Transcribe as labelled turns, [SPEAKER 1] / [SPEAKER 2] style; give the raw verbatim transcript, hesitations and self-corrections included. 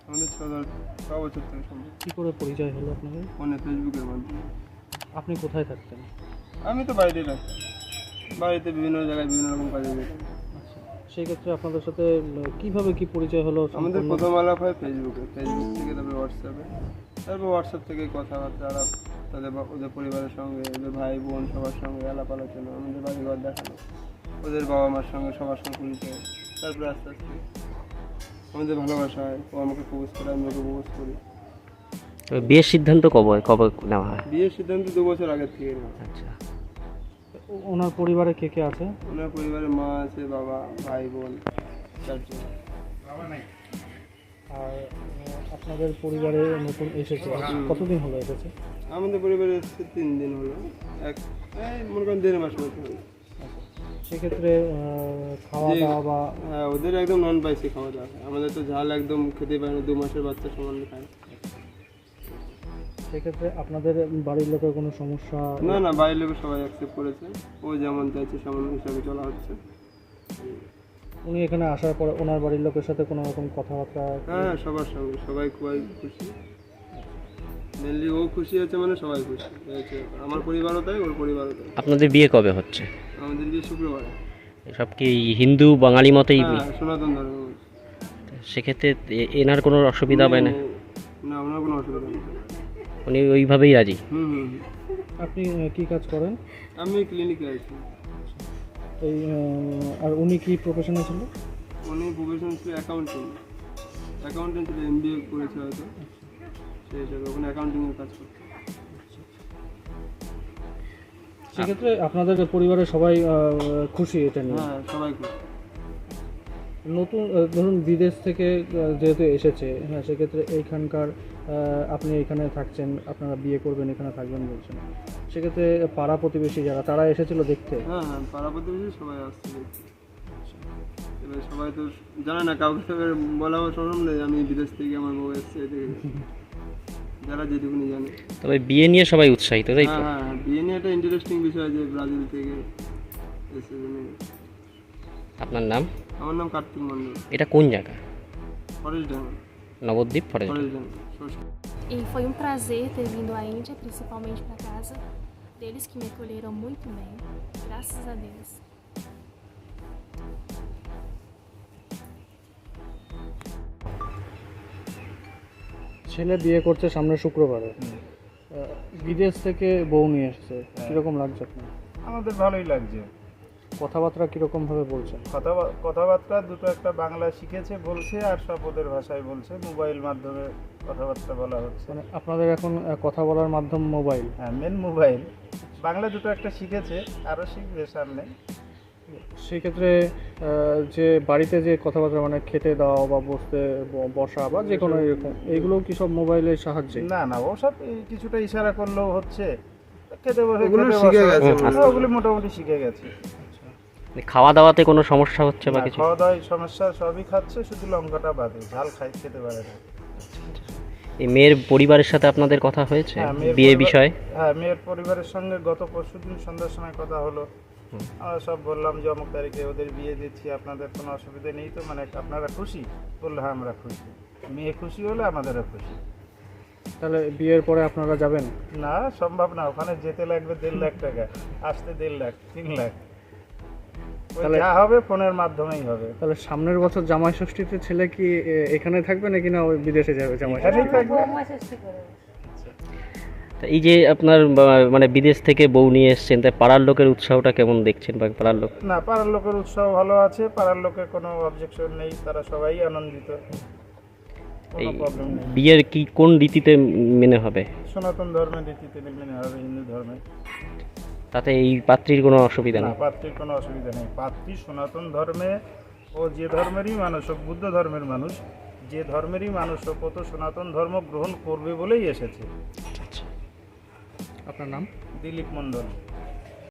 [SPEAKER 1] আমাদের ছ ছ বছর থেকে সম্ভব।
[SPEAKER 2] কী করে পরিচয় হলো আপনাদের?
[SPEAKER 1] ফোনে ফেসবুকের মাধ্যমে।
[SPEAKER 2] আপনি কোথায় থাকতেন?
[SPEAKER 1] আমি তো বাড়িতেই থাকতাম, বাড়িতে বিভিন্ন জায়গায় বিভিন্ন রকম কাজে যেতাম।
[SPEAKER 2] আচ্ছা, সেই ক্ষেত্রে আপনাদের সাথে কীভাবে কি পরিচয় হলো?
[SPEAKER 1] আমাদের প্রথম আলাপ হয় ফেসবুকে, ফেসবুক থেকে তারপরে হোয়াটসঅ্যাপে, তারপর হোয়াটসঅ্যাপ থেকে কথাবার্তা আলাপ, তাদের ওদের পরিবারের সঙ্গে, ওদের ভাই বোন সবার সঙ্গে আলাপ আলোচনা, আমাদের বাড়িঘর দেখানো, ওদের বাবা মার সঙ্গে সবার সঙ্গে পরিচয়, তারপরে আস্তে আস্তে আমাদের ভালোবাসা হয়। ও আমাকে প্রপোজ করে, আমি ওকে প্রপোজ করি।
[SPEAKER 3] তবে বিয়ের সিদ্ধান্ত কবে কবে নেওয়া হয়?
[SPEAKER 1] বিয়ের সিদ্ধান্ত দু বছর আগের থেকে নেওয়া।
[SPEAKER 3] আচ্ছা,
[SPEAKER 2] ওনার পরিবারে কে কে আছে?
[SPEAKER 1] ওনার পরিবারে মা আছে, বাবা, ভাই বোন চারজন।
[SPEAKER 2] আর আপনাদের পরিবারে নতুন এসেছে, কতদিন হলো এসেছে?
[SPEAKER 1] আমাদের পরিবারে এসেছে তিন দিন হলো, এক এই মনে করেন দেড় মাস মতো হলো।
[SPEAKER 2] সেক্ষেত্রে খাওয়া দাওয়া বা
[SPEAKER 1] হ্যাঁ, ওদের একদম নন স্পাইসি খাওয়া দাওয়া হয়, আমাদের তো ঝাল একদম খেতে পারে না, দু মাসের বাচ্চা সমান খায়।
[SPEAKER 2] সেক্ষেত্রে আপনাদের বাড়ির লোকের কোনো সমস্যা?
[SPEAKER 1] না না, বাড়ির লোক সবাই অ্যাকসেপ্ট করেছে, ও যেমন চাইছে সেমন হিসাবে চলা হচ্ছে।
[SPEAKER 2] উনি এখানে আসার পরে ওনার বাড়ির লোকের সাথে কোনো রকম কথাবার্তা?
[SPEAKER 1] হ্যাঁ, সবার সঙ্গে সবাই খুবই খুশি, মেনলি ও খুশি আছে মানে সবাই খুশি হয়েছে, আমার পরিবারও তাই, ওর পরিবারও তাই।
[SPEAKER 3] আপনাদের বিয়ে কবে হচ্ছে?
[SPEAKER 1] আমাদের বিয়ে শুক্রবারে।
[SPEAKER 3] সব কি হিন্দু বাঙালি মতেই?
[SPEAKER 1] হ্যাঁ, সনাতন ধর্ম।
[SPEAKER 3] সেক্ষেত্রে এ- এনার কোনো অসুবিধা হবে না?
[SPEAKER 1] না, ওনার কোনো অসুবিধা নেই।
[SPEAKER 3] উনি ওইভাবেই রাজি?
[SPEAKER 1] হুম হুম হুম।
[SPEAKER 2] আপনি কি কাজ করেন?
[SPEAKER 1] আমি ক্লিনিকে আছি।
[SPEAKER 2] এই আহ, আর উনি কি প্রফেশনে ছিল?
[SPEAKER 1] উনি প্রফেশন ছিল অ্যাকাউন্টিং, অ্যাকাউন্টিং ছিল, এম বি এ করেছে হয়তো, সেই হিসাবে ওখানে অ্যাকাউন্টিংয়ের কাজ করতো।
[SPEAKER 2] সেক্ষেত্রে আপনাদের পরিবারের সবাই আহ, খুশি এটা নিয়ে?
[SPEAKER 1] হ্যাঁ, সবাই খুশি।
[SPEAKER 2] নতুন আহ, ধরুন বিদেশ থেকে আহ, যেহেতু এসেছে, হ্যাঁ, সেক্ষেত্রে এইখানকার আহ, আপনি এখানে থাকছেন, আপনারা বিয়ে করবেন, এখানে থাকবেন বলছেন, সেক্ষেত্রে পাড়া প্রতিবেশী যারা তারা এসেছিল দেখতে?
[SPEAKER 1] হ্যাঁ হ্যাঁ, পাড়া প্রতিবেশী সবাই আসছে দেখছি। এবার সবাই তো জানে না, কাউকে তো এবার বলা সম্ভব নেই আমি বিদেশ থেকে আমার বউ এসছে, এদিকে যারা যেটুকুনি জানে।
[SPEAKER 3] তবে বিয়ে নিয়ে সবাই উৎসাহিত, তাই তো?
[SPEAKER 1] হ্যাঁ হ্যাঁ হ্যাঁ, বিয়ে নিয়ে একটা ইন্টারেস্টিং বিষয় যে ব্রাজিল থেকে এসে।
[SPEAKER 3] আপনার নাম?
[SPEAKER 1] আমার নাম কার্তিক মন্ডল।
[SPEAKER 3] এটা কোন জায়গা?
[SPEAKER 1] Forest Danga.
[SPEAKER 3] Nabadwip forest?
[SPEAKER 1] Forest Danga.
[SPEAKER 4] E foi um prazer ter vindo à Índia, principalmente para casa deles que me acolheram muito bem, graças a Deus.
[SPEAKER 2] ছেলে বিয়ে করছে সামনে শুক্রবারে, আহ, বিদেশ থেকে বউ নিয়ে এসেছে, কীরকম লাগছে আপনার?
[SPEAKER 5] আমাদের ভালোই লাগছে।
[SPEAKER 2] কথাবার্তা কীরকম ভাবে বলছেন?
[SPEAKER 5] কথা কথাবার্তা দুটো একটা বাংলা শিখেছে বলছে, আর সব ওদের ভাষায় বলছে, মোবাইল মাধ্যমে কথাবার্তা বলা হচ্ছে।
[SPEAKER 2] মানে আপনাদের এখন আহ, কথা বলার মাধ্যম মোবাইল?
[SPEAKER 5] হ্যাঁ, মেন মোবাইল। বাংলা দুটো একটা শিখেছে, আরও শিখবে সামনে।
[SPEAKER 2] সেক্ষেত্রে আহ, যে বাড়িতে যে কথাবার্তা মানে খেতে দাও বা বসতে ব- বসা বা যে কোনো এরকম, এইগুলো কি সব মোবাইলের সাহায্যে?
[SPEAKER 5] না না, ওসব এই কিছুটা ইশারা করলেও হচ্ছে, খেতে বসে
[SPEAKER 1] ওগুলো
[SPEAKER 5] খেতে
[SPEAKER 1] শিখে
[SPEAKER 5] বসা।
[SPEAKER 1] গেছে
[SPEAKER 5] হ্যাঁ, ওগুলো মোটামুটি শিখে গেছে।
[SPEAKER 3] খাওয়া দাওয়াতে কোনো সমস্যা হচ্ছে বা
[SPEAKER 5] না,
[SPEAKER 3] কিছু?
[SPEAKER 5] খাওয়া দাওয়ায় সমস্যা সবই খাচ্ছে, শুধু লঙ্কাটা বাদে, ঝাল খাই খেতে পারে না।
[SPEAKER 3] এই মেয়ের পরিবারের সাথে আপনাদের কথা হয়েছে
[SPEAKER 5] হ্যাঁ, মেয়ের
[SPEAKER 3] বিয়ে
[SPEAKER 5] পরিবার-
[SPEAKER 3] বিষয়ে?
[SPEAKER 5] হ্যাঁ, মেয়ের পরিবারের সঙ্গে গত পরশুদিন সন্ধ্যার সময় কথা হলো। আমরা সব বললাম যে অমুক তারিখে ওদের বিয়ে দিচ্ছি, আপনাদের কোনো অসুবিধা নেই তো, মানে আপনারা খুশি? বললো হ্যাঁ, আমরা খুশি। মেয়ে খুশি হলে আমাদেরও খুশি।
[SPEAKER 2] তাহলে বিয়ের পরে আপনারা যাবেন?
[SPEAKER 5] না, সম্ভব না, ওখানে যেতে লাগবে দেড় লাখ টাকা, আসতে দেড় লাখ, তিন লাখ। ওই
[SPEAKER 2] তাহলে-
[SPEAKER 5] যা হবে ফোনের মাধ্যমেই হবে।
[SPEAKER 2] তাহলে সামনের বছর জামাই ষষ্ঠীতে ছেলে কি এ, এখানে থাকবে নাকি না ওই বিদেশে যাবে জামাই
[SPEAKER 5] এখানেই
[SPEAKER 2] ষষ্ঠী?
[SPEAKER 5] থাকবে।
[SPEAKER 3] তা এই যে আপনার বা- মানে বিদেশ থেকে বউ নিয়ে এসছেন, তাই পাড়ার লোকের উৎসাহটা কেমন দেখছেন বা পাড়ার লোক?
[SPEAKER 5] না, পাড়ার লোকের উৎসাহ ভালো আছে, পাড়ার লোকের কোনো অবজেকশন নেই, তারা সবাই আনন্দিত,
[SPEAKER 3] এই
[SPEAKER 5] কোনো প্রবলেম নেই।
[SPEAKER 3] বিয়ের কি কোন রীতিতে মেনে হবে?
[SPEAKER 5] সনাতন ধর্মের রীতিতে মেনে হবে, হিন্দু ধর্মে।
[SPEAKER 3] তাতে এই পাত্রীর কোনো অসুবিধা
[SPEAKER 5] না,
[SPEAKER 3] নেই?
[SPEAKER 5] পাত্রীর কোনো অসুবিধা নেই। পাত্রী সনাতন ধর্মে, ও যে ধর্মেরই মানুষ হোক, বুদ্ধ ধর্মের মানুষ, যে ধর্মেরই মানুষ হোক, ও তো সনাতন ধর্ম গ্রহণ করবে বলেই এসেছে।
[SPEAKER 2] আপনার নাম?
[SPEAKER 5] দিলীপ মণ্ডল।